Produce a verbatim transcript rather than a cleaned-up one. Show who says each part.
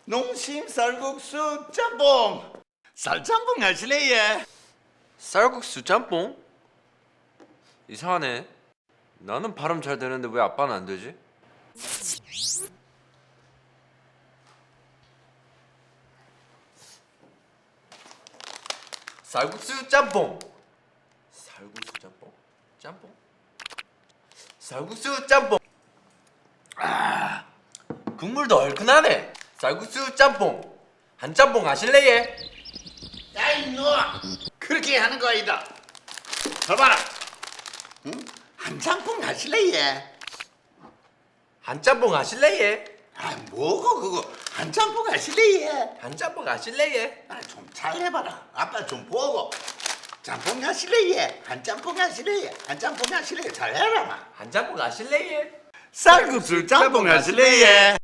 Speaker 1: 농심 쌀국수 짬뽕. 쌀짬뽕 하실래 예?
Speaker 2: 쌀국수 짬뽕? 이상하네. 나는 발음 잘 되는데 왜 아빠는 안 되지? 쌀국수 짬뽕. 쌀국수 짬뽕? 짬뽕? 쌀국수 짬뽕. 아, 국물도 얼큰하네. 쌀국수 짬뽕. 한 짬뽕 하실래예?
Speaker 1: 야 이놈아, 그렇게 하는 거 아니다. 저 봐라. 응? 한 짬뽕 하실래 예?
Speaker 2: 한 짬뽕 하실래예?
Speaker 1: 아 뭐고 그거? 한 짬뽕 하실래 예?
Speaker 2: 한 짬뽕 하실래예?
Speaker 1: 아, 좀 잘해봐라. 아빠 좀 보고. 짬뽕 하실래 예? 한 짬뽕 하실래 예? 한 짬뽕 하실래 예? 잘해라 마.
Speaker 2: 한 짬뽕 하실래예?
Speaker 1: 쌀국수 짬뽕 하실래 예?